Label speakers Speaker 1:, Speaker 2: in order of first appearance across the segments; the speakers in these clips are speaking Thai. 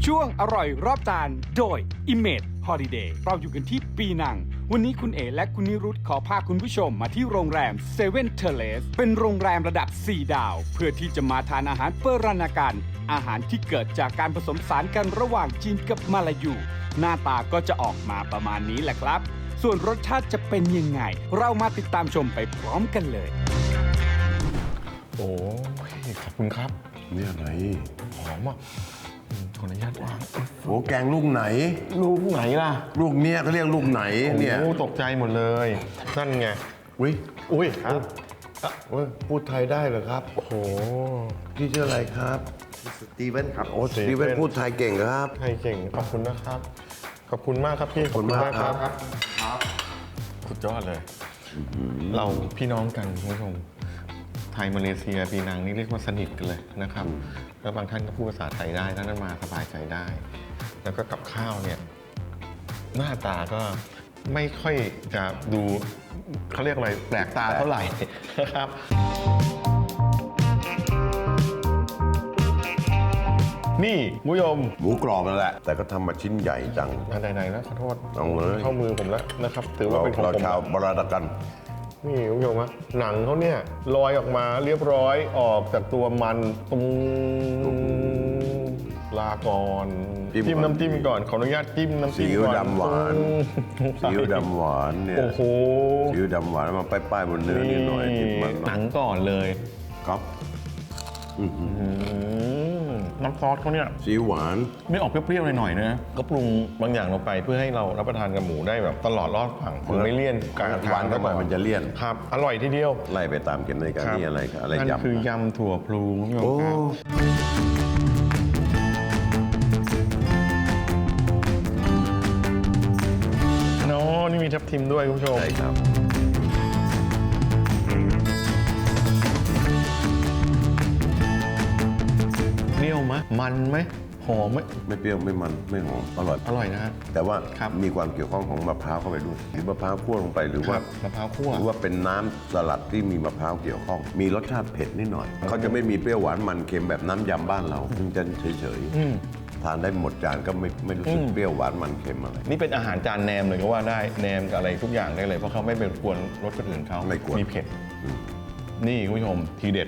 Speaker 1: ช่วงอร่อยรอบจานโดย Image Holiday เราอยู่กันที่ปีนังวันนี้คุณเอและคุณนิรุตขอพาคุณผู้ชมมาที่โรงแรม Seven Terrace เป็นโรงแรมระดับ 4 ดาว เพื่อที่จะมาทานอาหารเปรนาการอาหารที่เกิดจากการผสมผสานกันระหว่างจีนกับมาลายูหน้าตาก็จะออกมาประมาณนี้แหละครับส่วนรสชาติจะเป็นยังไงเรามาติดตามชมไปพร้อมกันเลย
Speaker 2: โอ้ยขอบคุณครับ
Speaker 3: เนี่ยไหน
Speaker 2: หอมอ่ะขออนุญาตวาง
Speaker 3: โอ้แกงลูกไหน
Speaker 2: ลูกไหนล่ะ
Speaker 3: ลูกเนี้ยเขาเรียกลูกไหนเนี่ย
Speaker 2: โอ้ตกใจหมดเลยนั่นไง
Speaker 3: อุ้ย
Speaker 2: อุ้ยครับ
Speaker 3: พูดไทยได้เหรอครับ
Speaker 2: โอ้โห
Speaker 3: พี่ชื่ออะไรครับ
Speaker 4: สตีเวนครับ
Speaker 3: โอ้สตีเวนพูดไทยเก่งครับ
Speaker 2: ไทยเก่งขอบคุณนะครับขอบคุณมากครับพี่
Speaker 3: ขอบคุณมากครับ
Speaker 2: สุดยอดเลย เราพี่น้องกันคุณผู้ชมไทยมาเลเซียปีนังนี่เรียกว่าสนิทกันเลยนะครับแล้วบางท่านก็พูดภาษาไทยได้ท่านนั้นมาสบายใจได้ แล้วก็กับข้าวเนี่ยหน้าตาก็ไม่ค่อยจะดูเขาเรียกอะไรแปลกตาเท่าไหร่นะครับนี่คุณผู้ชม
Speaker 3: หมูกรอบนั่นแหละ แต่ก็ทำมาชิ้นใหญ่จัง
Speaker 2: ไหนๆแล้วขอโทษ
Speaker 3: เอาเลย
Speaker 2: เข้ามือผมแล้วนะครับถือว่า
Speaker 3: เรา
Speaker 2: เป็นของ
Speaker 3: เรา
Speaker 2: ผม
Speaker 3: ชาวบราดากัน
Speaker 2: นี่คุณผู้ชมฮะหนังเขาเนี่ยลอยออกมาเรียบร้อยออกจากตัวมันตรงลาก่อนจิ้มน้ำจิ้มก่อนขออนุญาตจิ้มน้ำ
Speaker 3: ซี
Speaker 2: จิ้ม
Speaker 3: อิ๊ว
Speaker 2: ก่อน
Speaker 3: ดำหวาน
Speaker 2: อืม
Speaker 3: ซีอิ๊วดำหวานเนี่ย
Speaker 2: โอ้โห
Speaker 3: ซีอิ๊วดำหวานมาป้ายๆบนเนื้อนิดหน่อยนิดมัน
Speaker 2: หนังก่อนเลย
Speaker 3: ครับ
Speaker 2: น้ำซอสเขาเนี่ย
Speaker 3: ซีอิ๊วหวาน
Speaker 2: ไม่ออกเปรี้ยวๆหน่อยๆนะก็ปรุงบางอย่างลงไปเพื่อให้เรารับประทานกับหมูได้แบบตลอดรอดฝั่งคือไม่เลี่ยนการท
Speaker 3: หวานเข้าไปมันจะเลี่ยน
Speaker 2: ครับอร่อยทีเดียว
Speaker 3: ไล่ไปตามกันในการนี่อะไรครับอะไร
Speaker 2: นั่น
Speaker 3: ยำ
Speaker 2: คือยำถั่วพลูคุณผู้ชม
Speaker 3: โอ้
Speaker 2: ครับเนาะนี่มีทับทิมด้วยคุณผู้ชม
Speaker 3: ใช่ครับ
Speaker 2: เปรี้ยวไหมมันไหมหอมไหม
Speaker 3: ไม่เปรี้ยวไม่มันไม่หอมอร่อย
Speaker 2: อร่อยนะฮะ
Speaker 3: แต่ว่า
Speaker 2: ครับ
Speaker 3: มีความเกี่ยวข้องของมะพร้าวเข้าไปด้วยหรือมะพร้าวคั่วลงไปหรือว่า
Speaker 2: มะพร้าวคั่ว
Speaker 3: หรือว่าเป็นน้ำสลัดที่มีมะพร้าวเกี่ยวข้อง มีรสชาติเผ็ดนิดหน่อยเขาจะไม่มีเปรี้ยวหวานมันเค็มแบบน้ำยำบ้านเราซึ่งจะเฉยๆทานได้หมดจานก็ไม่รู้สึกเปรี้ยวหวานมันเค็มอะไร
Speaker 2: นี่เป็นอาหารจานแหนมเลยก็ว่าได้แหนมกับอะไรทุกอย่างได้เลยเพราะเขาไม่เป็นกวนรสคนอื่นเขา
Speaker 3: ไม่กวน
Speaker 2: มีเผ็ดนี่คุณผู้ชมทีเด็ด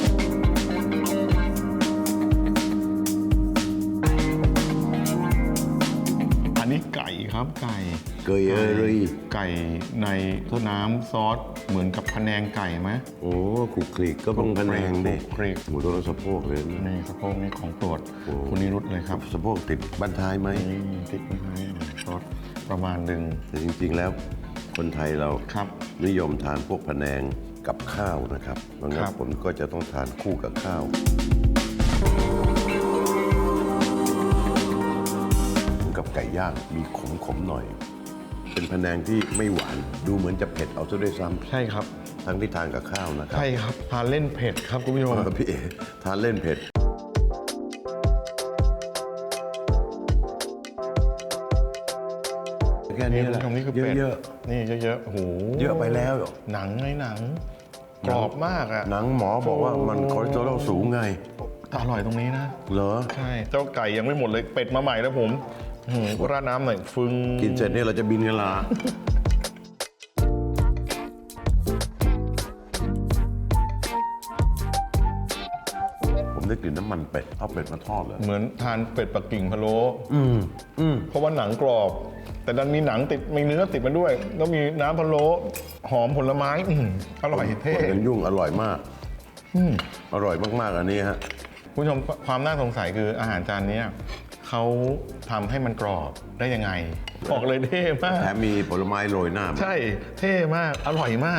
Speaker 2: อันนี้ไก่ครับไก่
Speaker 3: เกยเอยเลย
Speaker 2: ไก่ในน้ำซอสเหมือนกับพะแนงไก่ไหม
Speaker 3: โอ้ขลุกคลิกก็ต้องพะแนงดิ
Speaker 2: ขลุกคลิก
Speaker 3: หมูตัวสะโพกเลยนะ
Speaker 2: นี่สะโพกนี่ของโปรด
Speaker 3: โอ้
Speaker 2: คุณนิรุตเลยครับ
Speaker 3: สะโพกติดบั้นท้ายไหม
Speaker 2: นี่ติดไว้ให้ซอสประมาณหนึ่ง
Speaker 3: แต่จริงๆแล้วคนไทยเรา
Speaker 2: ครับ นิ
Speaker 3: นิยมทานพวกพะแนงกับข้าวนะครับเพราะงั้
Speaker 2: คน รับ
Speaker 3: ผมก็จะต้องทานคู่กับข้าวเหมือนกับไก่ย่างมีขมๆหน่อย เป็นพะแนงที่ไม่หวานดูเหมือนจะเผ็ดเอาซะด้วยซ้
Speaker 2: ใช่ครับ
Speaker 3: ำทั้งที่ทานกับข้าวนะครับ
Speaker 2: ใช่ครับทานเล่นเผ็ดครับคุณผู้ชม
Speaker 3: พี่เอทานเล่นเผ็ดแค่นี้แหละ
Speaker 2: คุณผู้ชมนี่คือเป็ด
Speaker 3: เยอะ
Speaker 2: นี่เยอะๆโอ้โห
Speaker 3: ๆเยอะไปแล้วเหรอ
Speaker 2: หนังไงหนังกรอบมากอ่ะ
Speaker 3: หนังหมอบอกว่ามันคอเลสเตอรอลสูงไง
Speaker 2: อร่อยตรงนี้นะ
Speaker 3: เหรอ
Speaker 2: ใช่เจ้าไก่ยังไม่หมดเลยเป็ดมาใหม่แล้วผมราดน้ำหน่อยฟึง
Speaker 3: กินเสร็จเนี่ยเราจะบินกันละผมได้กลิ่นน้ำมันเป็ดเอาเป็ดมาทอดเลย
Speaker 2: เหมือนทานเป็ดปักกิ่งพะโล้เพราะว่าหนังกรอบ แต่ดันมีหนังติดมีเนื้อติดมาด้วยแล้วมีน้ำพะโล้หอมผลไม้อร่อยเท่
Speaker 3: เป็นยุ่งอร่อยมากอร่อยมากๆอันนี้ฮะ
Speaker 2: คุณผู้ชมความน่าสงสัยคืออาหารจานเนี้ยเขาทำให้มันกรอบได้ยังไงบอกเลยเท่มาก
Speaker 3: แถมมีผลไม้โรยหน้ามา
Speaker 2: ใช่เท่มากอร่อยมาก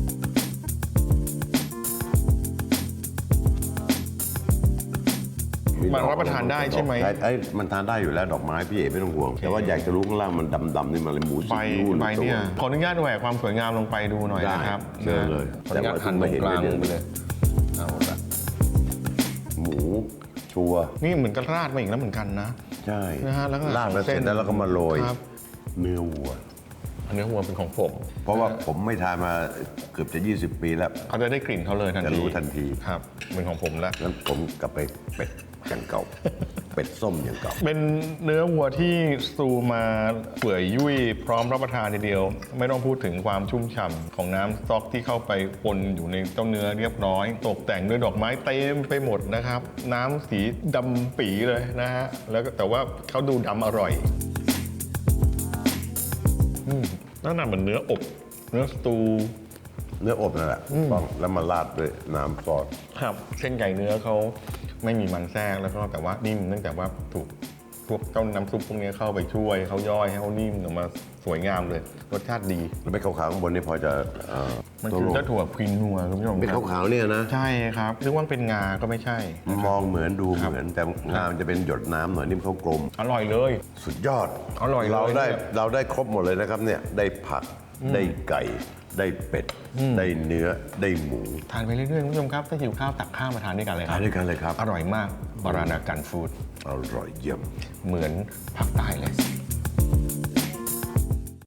Speaker 2: มันรับประทานได้ใช่ไหม
Speaker 3: ไอ้มันทานได้อยู่แล้วดอกไม้พี่เอ๋ไม่ต้องห่วง แต่ว่าอยากจะรู้ข้างล่างมันดำๆนี่มันเลยหมู
Speaker 2: ใบ
Speaker 3: ซีอิ๊วหรือ
Speaker 2: ใบเนี่ย
Speaker 3: ตัว
Speaker 2: ขออนุญาตแหวกความสวยงามลงไปดูหน่อย
Speaker 3: ได้
Speaker 2: นะครับ
Speaker 3: เชิญเลย
Speaker 2: ขออนุญาตหั่นตรงกลางลงไปเลยเอาละ
Speaker 3: หมูชัวร์
Speaker 2: นี่เหมือนกับราดมาอีกแล้วเหมือนกันนะ
Speaker 3: ใช่
Speaker 2: นะฮะแล้วก็
Speaker 3: ลาดแล้วเสร็จแล้วเราก็มาโรย
Speaker 2: ครับ
Speaker 3: เนื้อวัว
Speaker 2: อันนี้หัวเป็นของผม
Speaker 3: เพราะว่าผมไม่ทานมาเกือบจะ 20 ปีแล้ว
Speaker 2: เขาจะได้กลิ่นเขาเลยทันที
Speaker 3: จะรู้ทันที
Speaker 2: ครับเป็นของผมแล้ว
Speaker 3: งั้นผมกลับไปเป็ดกันเก่าเป็ดส้มอย่างเก่า
Speaker 2: เป็นเนื้อวัวที่สตูมาเปื่อยยุ่ยพร้อมรับประทานทีเดียว ไม่ต้องพูดถึงความชุ่มฉ่ำของน้ำสต๊อกที่เข้าไปปนอยู่ในเจ้าเนื้อเรียบร้อย ตกแต่งด้วยดอกไม้เต็มไปหมดนะครับ น้ำสีดำปีเลยนะฮะแล้วก็แต่ว่าเขาดูดำอร่อยนั่นน่ะเหมือนเนื้ออบเนื้อสตู
Speaker 3: เนื้ออบนั่นแหละต้องแล้วมาราดด้วยน้ำซอส
Speaker 2: ครับเส้นใหญ่เนื้อเขาไม่มีมันแทรกแล้วก็แต่ว่านิ่มเนื่องจากว่าถูกพวกเจ้าน้ำซุปพวกนี้เข้าไปช่วยเขาย่อยให้เขานิ่มออกมาสวยงามเลยรสชาติดี
Speaker 3: แล้วไม่ขาวๆข้างบนนี่พอจะ
Speaker 2: มันคือเจ้าถั่วควินนัวคุณผู้ชม
Speaker 3: เป็น
Speaker 2: ครับ
Speaker 3: ขาวๆเนี่ยนะ
Speaker 2: ใช่ครับนึกว่าเป็นงาก็ไม่ใช่
Speaker 3: มองเหมือนดูเหมือนแต่งามจะเป็นหยดน้ำหน่อยนิ่มเขากลม
Speaker 2: อร่อยเลย
Speaker 3: สุดยอด
Speaker 2: อร่อยเลย
Speaker 3: เราได้ครบหมดเลยนะครับเนี่ยได้ผักได้ไก่ ได้เป็ด ได้เนื้อได้หมู
Speaker 2: ทานไปเรื่อยๆคุณผู้ชมครับถ้าหิวข้าวตักข้าวมาทานด้วยกันเลยค
Speaker 3: ทา
Speaker 2: รั
Speaker 3: น
Speaker 2: บ
Speaker 3: ด้วยกันเลยครับ
Speaker 2: อร่อยมากบารานากันฟู้ด
Speaker 3: อร่อยเยี่ยม
Speaker 2: เหมือนภาคใต้เลย